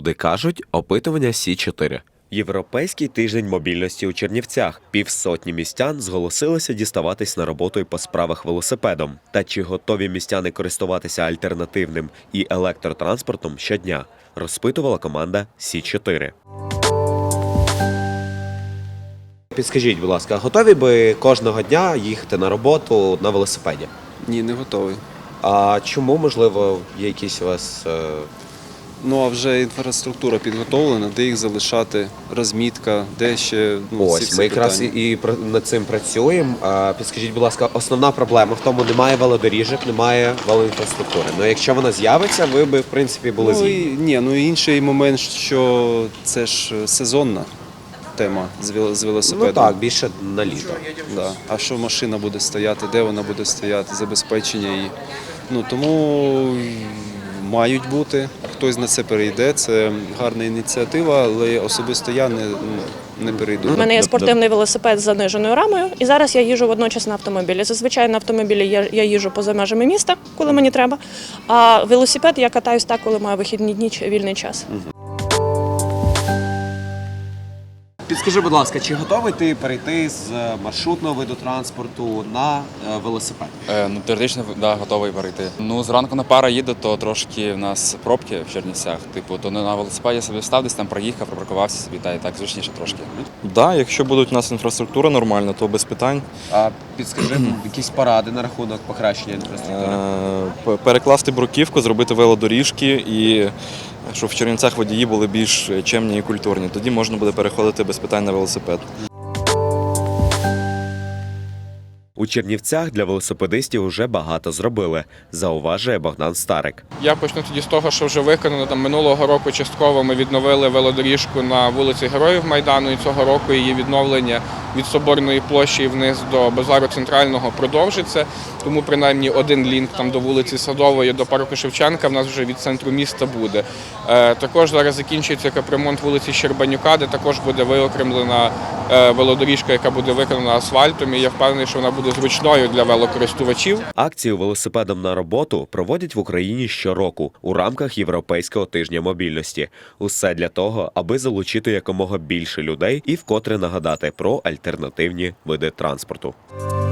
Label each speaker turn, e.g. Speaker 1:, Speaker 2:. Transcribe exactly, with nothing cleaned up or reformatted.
Speaker 1: Правди кажуть, опитування Сі чотири. Європейський тиждень мобільності у Чернівцях. Півсотні містян зголосилися діставатись на роботу і по справах велосипедом. Та чи готові містяни користуватися альтернативним і електротранспортом щодня, розпитувала команда Сі чотири. Підскажіть, будь ласка, готові би кожного дня їхати на роботу на велосипеді?
Speaker 2: Ні, не готовий.
Speaker 1: А чому, можливо, є якісь у вас... Е...
Speaker 2: Ну, а вже інфраструктура підготовлена, де їх залишати, розмітка, де ще... Ну,
Speaker 1: Ось,
Speaker 2: всі
Speaker 1: ми якраз
Speaker 2: питання.
Speaker 1: і над цим працюємо. А, підскажіть, будь ласка, основна проблема в тому, немає велодоріжок, немає велоінфраструктури. Ну, якщо вона з'явиться, ви би, в принципі, були
Speaker 2: Ну,
Speaker 1: згідні.
Speaker 2: і, ні, ну і інший момент, що це ж сезонна тема з вел- з велосипедом.
Speaker 1: Ну так, більше на літо.
Speaker 2: Да. А що машина буде стояти, де вона буде стояти, забезпечення її. Ну, тому мають бути, хтось на це перейде, це гарна ініціатива, але особисто я не, не перейду.
Speaker 3: У мене є спортивний велосипед з заниженою рамою, і зараз я їжджу водночас на автомобілі. Зазвичай на автомобілі я, я їжджу поза межами міста, коли мені треба, а велосипед я катаюсь так, коли маю вихідні дні чи вільний час.
Speaker 1: Підскажи, будь ласка, чи готовий ти перейти з маршрутного виду транспорту на е, велосипед?
Speaker 4: Е, ну, теоретично, да, готовий перейти. Ну, зранку на пара їду, то трошки в нас пробки в Чернівцях. Типу, то не на велосипеді собі встав, десь там проїхав, припаркувався собі, та і так зручніше трошки.
Speaker 5: Да, якщо буде у нас інфраструктура нормальна, то без питань.
Speaker 1: А підскажи якісь поради на рахунок покращення інфраструктури?
Speaker 5: Е, п- Перекласти бруківку, зробити велодоріжки і щоб в Чернівцях водії були більш чемні і культурні. Тоді можна буде переходити без питань на велосипед.
Speaker 1: У Чернівцях для велосипедистів уже багато зробили, зауважує Богдан Старик.
Speaker 6: Я почну тоді з того, що вже виконано. Там минулого року частково ми відновили велодоріжку на вулиці Героїв Майдану, і цього року її відновлення від Соборної площі і вниз до базару Центрального продовжиться. Тому принаймні один лінк там до вулиці Садової, до парку Шевченка в нас вже від центру міста буде. Е, також зараз закінчується капремонт вулиці Щербанюка, де також буде виокремлена е, велодоріжка, яка буде виконана асфальтом. І я впевнений, що вона буде зручною для велокористувачів.
Speaker 1: Акцію «Велосипедом на роботу» проводять в Україні щороку у рамках Європейського тижня мобільності. Усе для того, аби залучити якомога більше людей і вкотре нагадати про альтернативні види транспорту.